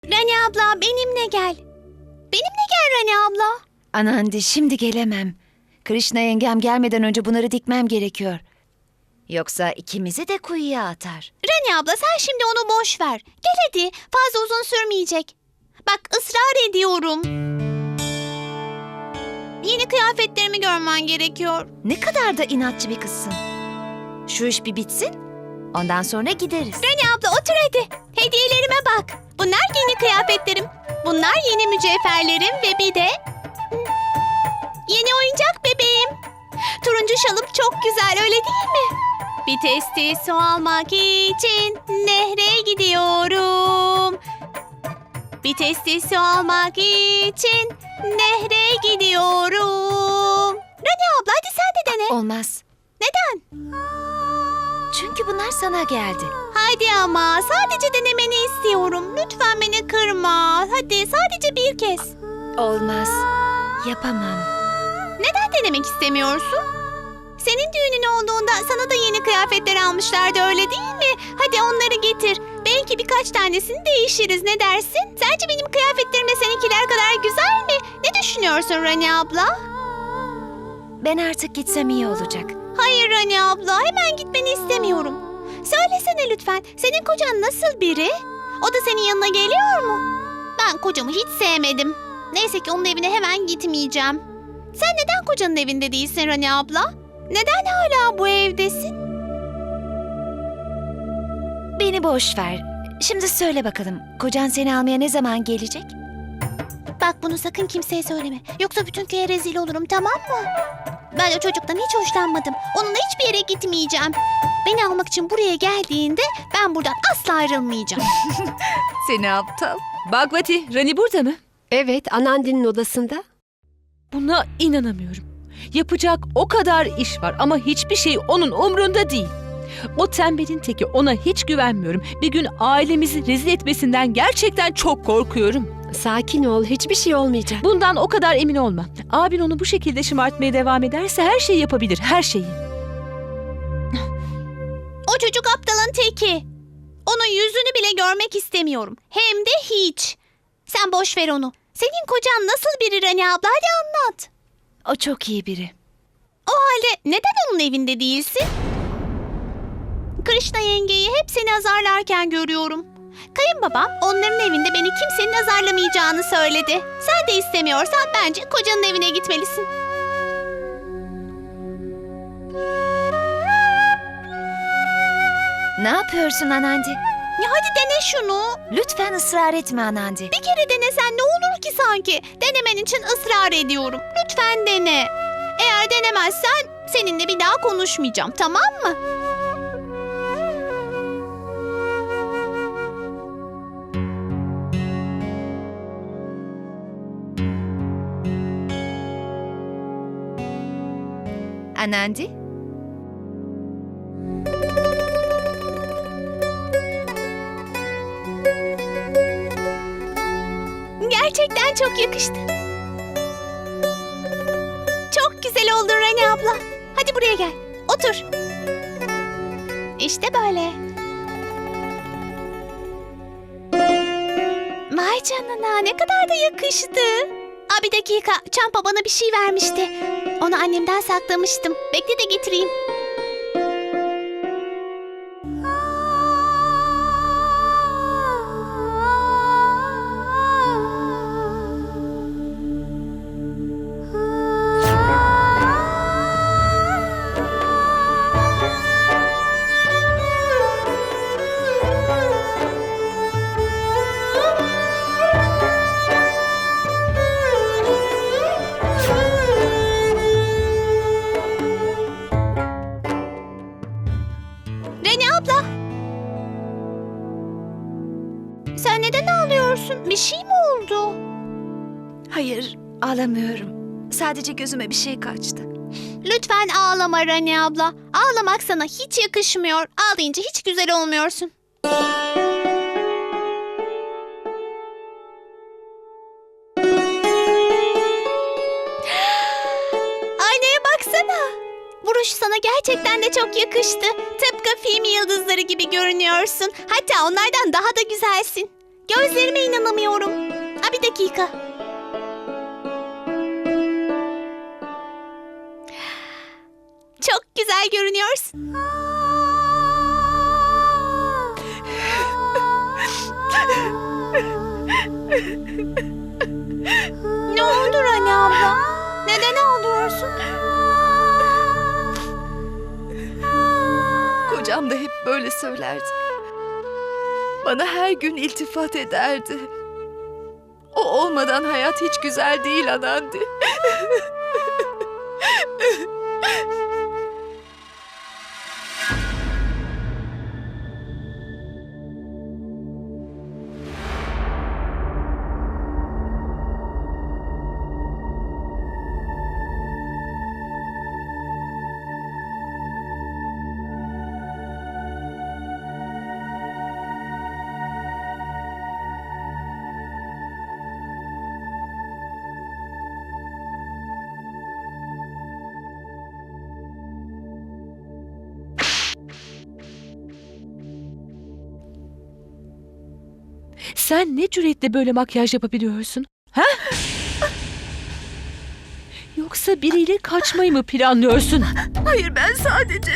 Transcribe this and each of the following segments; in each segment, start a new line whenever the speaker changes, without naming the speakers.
Rani abla benimle gel. Benimle gel Rani abla.
Anandi, şimdi gelemem. Krishna yengem gelmeden önce bunları dikmem gerekiyor. Yoksa ikimizi de kuyuya atar.
Rani abla sen şimdi onu boş ver. Gel hadi, fazla uzun sürmeyecek. Bak ısrar ediyorum. Yeni kıyafetlerimi görmen gerekiyor.
Ne kadar da inatçı bir kızsın. Şu iş bir bitsin, ondan sonra gideriz.
Rani abla otur hadi. Hediyelerime bak. Bunlar yeni kıyafetlerim. Bunlar yeni mücevherlerim ve bir de yeni oyuncak bebeğim. Turuncu şalım çok güzel, öyle değil mi? Bir testi su almak için nehre gidiyorum. Bir testi su almak için nehre gidiyorum. Rani abla hadi sen de dene.
Olmaz.
Neden?
Çünkü bunlar sana geldi.
Hadi ama sadece denemeni istiyorum. Lütfen beni kırma. Hadi sadece bir kez.
Olmaz. Yapamam.
Neden denemek istemiyorsun? Senin düğünün olduğunda sana da yeni kıyafetler almışlardı, öyle değil mi? Hadi onları getir. Belki birkaç tanesini değişiriz, ne dersin? Sence benim kıyafetlerim de seninkiler kadar güzel mi? Ne düşünüyorsun Rani abla?
Ben artık gitsem iyi olacak.
Hayır Rani abla, hemen gitmeni istemiyorum. Söylesene lütfen, senin kocan nasıl biri? O da senin yanına geliyor mu? Ben kocamı hiç sevmedim. Neyse ki onun evine hemen gitmeyeceğim. Sen neden kocanın evinde değilsin Rani abla? Neden hala bu evdesin?
Beni boş ver. Şimdi söyle bakalım, kocan seni almaya ne zaman gelecek?
Bak bunu sakın kimseye söyleme. Yoksa bütün köye rezil olurum, tamam mı? Ben o çocuktan hiç hoşlanmadım. Onunla hiçbir yere gitmeyeceğim. Beni almak için buraya geldiğinde ben buradan asla ayrılmayacağım.
Seni aptal.
Bhagwati, Rani burada mı?
Evet, Anandi'nin odasında.
Buna inanamıyorum. Yapacak o kadar iş var ama hiçbir şey onun umrunda değil. O tembelin teki, ona hiç güvenmiyorum. Bir gün ailemizi rezil etmesinden gerçekten çok korkuyorum.
Sakin ol, hiçbir şey olmayacak.
Bundan o kadar emin olma. Abin onu bu şekilde şımartmaya devam ederse her şeyi yapabilir, her şeyi.
O çocuk aptalın teki. Onun yüzünü bile görmek istemiyorum. Hem de hiç. Sen boş ver onu. Senin kocan nasıl biri Rani abla? Hadi anlat.
O çok iyi biri.
O halde neden onun evinde değilsin? Krishna yengeyi hep seni azarlarken görüyorum. Kayınbabam onların evinde beni kimsenin azarlamayacağını söyledi. Sen de istemiyorsan bence kocanın evine gitmelisin.
Ne yapıyorsun Anandi?
Ya hadi dene şunu.
Lütfen ısrar etme Anandi.
Bir kere denesen ne olur ki sanki? Denemen için ısrar ediyorum. Lütfen dene. Eğer denemezsen seninle bir daha konuşmayacağım, tamam mı?
Anandi?
Gerçekten çok yakıştı. Çok güzel oldun Rani abla. Hadi buraya gel. Otur. İşte böyle. Vay canına, ne kadar da yakıştı. Aa, bir dakika. Çampa bana bir şey vermişti. Onu annemden saklamıştım. Bekle de getireyim. Rani abla. Sen neden ağlıyorsun? Bir şey mi oldu?
Hayır, ağlamıyorum. Sadece gözüme bir şey kaçtı.
Lütfen ağlama Rani abla. Ağlamak sana hiç yakışmıyor. Ağlayınca hiç güzel olmuyorsun. Aynaya baksana. Buruş sana gerçekten de çok yakıştı. Tıpkı film yıldızları gibi görünüyorsun. Hatta onlardan daha da güzelsin. Gözlerime inanamıyorum. Bir dakika. Çok güzel görünüyorsun. Ne oldu Rani abla? Neden ağlıyorsun?
Kocam da hep böyle söylerdi. Bana her gün iltifat ederdi. O olmadan hayat hiç güzel değil Anandi.
Sen ne cüretle böyle makyaj yapabiliyorsun? Ha? Yoksa biriyle kaçmayı mı planlıyorsun?
Hayır, ben sadece...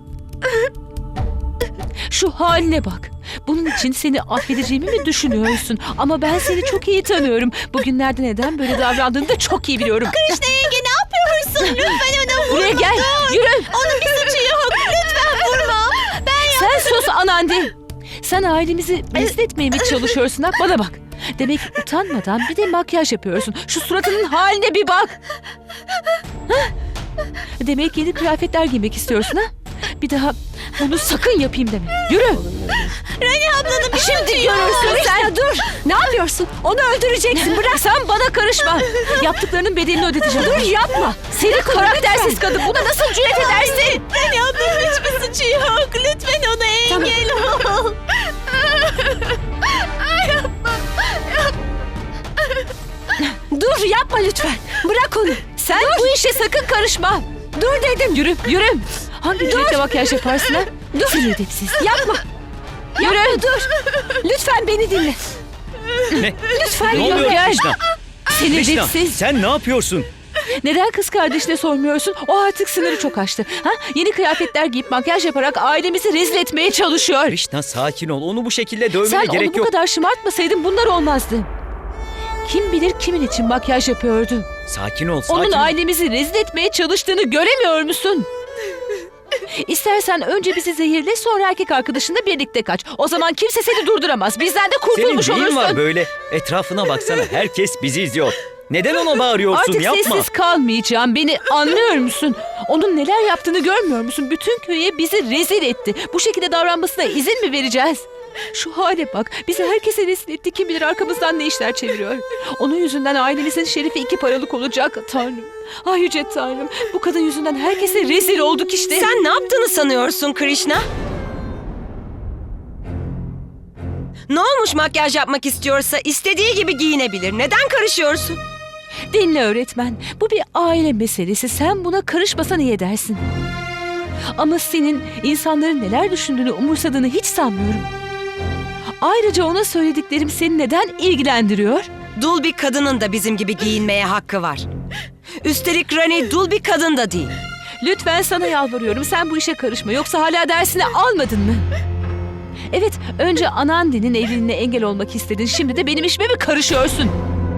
Şu haline bak. Bunun için seni affedeceğimi mi düşünüyorsun? Ama ben seni çok iyi tanıyorum. Bugünlerde neden böyle davrandığını da çok iyi biliyorum.
Krishna yenge ne yapıyorsun? Lütfen ona vurma.
Buraya gel, yürü.
Onun bir suçu yok. Lütfen vurma.
Sen sus Anandi. Sen ailemizi rezil etmeye mi çalışıyorsun ha? Bana bak. Demek utanmadan bir de makyaj yapıyorsun. Şu suratının haline bir bak. Hah? Demek yeni kıyafetler giymek istiyorsun ha? Bir daha bunu sakın yapayım deme. Yürü.
Rani ablanın bir
Şimdi
suçu yok.
görürsün sen. Dur.
Ne yapıyorsun? Onu öldüreceksin. Bırak.
Sen bana karışma. Yaptıklarının bedelini ödeteceğim. Dur yapma. Seni karaktersiz kadın. Buna nasıl cüret edersin?
Rani ablanın hiçbir suçu yok. Lütfen ona engel ol.
Dur yapma lütfen. Bırak onu.
Sen bu işe sakın karışma.
Dur dedim.
Yürü, yürü. Hangi cüretle makyaj yaparsın ha? Dur. Seni edepsiz.
Yapma.
Yürü.
Dur. Lütfen beni dinle.
Ne?
Lütfen
Ne oluyor
gel.
Krishna?
Seni
Krishna,
edepsiz.
sen ne yapıyorsun?
Neden kız kardeşine sormuyorsun? O artık sınırı çok aştı. Ha? Yeni kıyafetler giyip makyaj yaparak ailemizi rezil etmeye çalışıyor.
Krishna sakin ol. Onu bu şekilde dövmene
Sen onu
gerek
bu
yok.
kadar şımartmasaydın bunlar olmazdı. Kim bilir kimin için makyaj yapıyordu?
Sakin ol, sakin
Onun
ol.
ailemizi rezil etmeye çalıştığını göremiyor musun? İstersen önce bizi zehirle, sonra erkek arkadaşınla birlikte kaç. O zaman kimse seni durduramaz. Bizden de
Senin
kurtulmuş
neyin
olursun.
var böyle? Etrafına baksana. Herkes bizi izliyor. Neden ona bağırıyorsun?
Artık
Yapma.
sessiz kalmayacağım. Beni anlıyor musun? Onun neler yaptığını görmüyor musun? Bütün köye bizi rezil etti. Bu şekilde davranmasına izin mi vereceğiz? Şu hale bak. Bizi herkese rezil etti. Kim bilir arkamızdan ne işler çeviriyor. Onun yüzünden ailemizin şerefi 2 paralık olacak. Tanrım. Ay yüce Tanrım. Bu kadın yüzünden herkese rezil olduk işte.
Sen ne yaptığını sanıyorsun Krishna? Ne olmuş makyaj yapmak istiyorsa istediği gibi giyinebilir. Neden karışıyorsun?
Dinle öğretmen. Bu bir aile meselesi. Sen buna karışmasan iyi edersin. Ama senin insanların neler düşündüğünü umursadığını hiç sanmıyorum. Ayrıca ona söylediklerim seni neden ilgilendiriyor?
Dul bir kadının da bizim gibi giyinmeye hakkı var. Üstelik Rani dul bir kadın da değil.
Lütfen sana yalvarıyorum. Sen bu işe karışma. Yoksa hala dersini almadın mı? Evet, önce Anandi'nin evliliğine engel olmak istedin. Şimdi de benim işime mi karışıyorsun?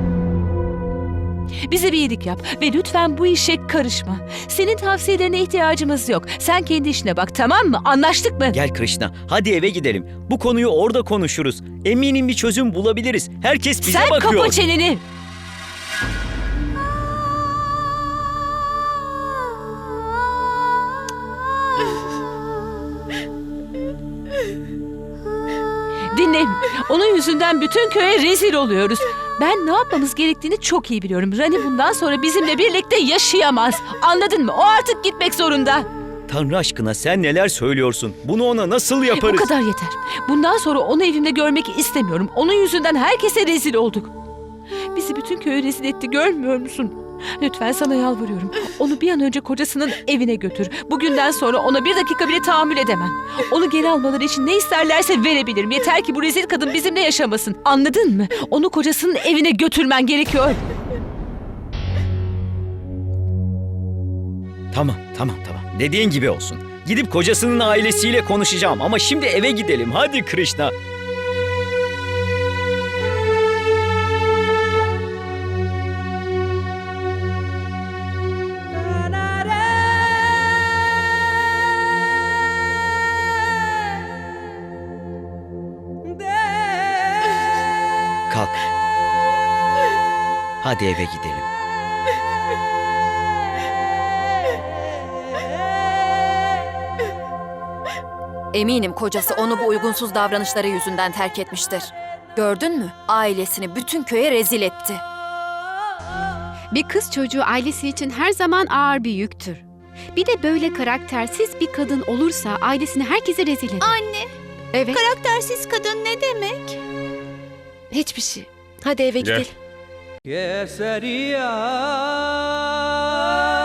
Bize bir iyilik yap ve lütfen bu işe karışma. Senin tavsiyelerine ihtiyacımız yok. Sen kendi işine bak, tamam mı? Anlaştık mı?
Gel Krishna. Hadi eve gidelim. Bu konuyu orada konuşuruz. Eminim bir çözüm bulabiliriz. Herkes bize
Sen
bakıyor.
kapa çeneni. Dinle. Onun yüzünden bütün köye rezil oluyoruz. Ben ne yapmamız gerektiğini çok iyi biliyorum. Rani bundan sonra bizimle birlikte yaşayamaz. Anladın mı? O artık gitmek zorunda.
Tanrı aşkına sen neler söylüyorsun? Bunu ona nasıl yaparız?
Bu kadar yeter. Bundan sonra onu evimde görmek istemiyorum. Onun yüzünden herkese rezil olduk. Bizi bütün köye rezil etti, görmüyor musun? Lütfen sana yalvarıyorum. Onu bir an önce kocasının evine götür. Bugünden sonra ona bir dakika bile tahammül edemem. Onu geri almaları için ne isterlerse verebilirim. Yeter ki bu rezil kadın bizimle yaşamasın. Anladın mı? Onu kocasının evine götürmen gerekiyor.
Tamam. Dediğin gibi olsun. Gidip kocasının ailesiyle konuşacağım ama şimdi eve gidelim. Hadi Krishna. Kalk. Hadi eve gidelim.
Eminim kocası onu bu uygunsuz davranışları yüzünden terk etmiştir. Gördün mü? Ailesini bütün köye rezil etti.
Bir kız çocuğu ailesi için her zaman ağır bir yüktür. Bir de böyle karaktersiz bir kadın olursa ailesini herkese rezil eder.
Anne,
Evet.
karaktersiz kadın ne demek?
Hiçbir şey. Hadi eve gidelim.
Keseriya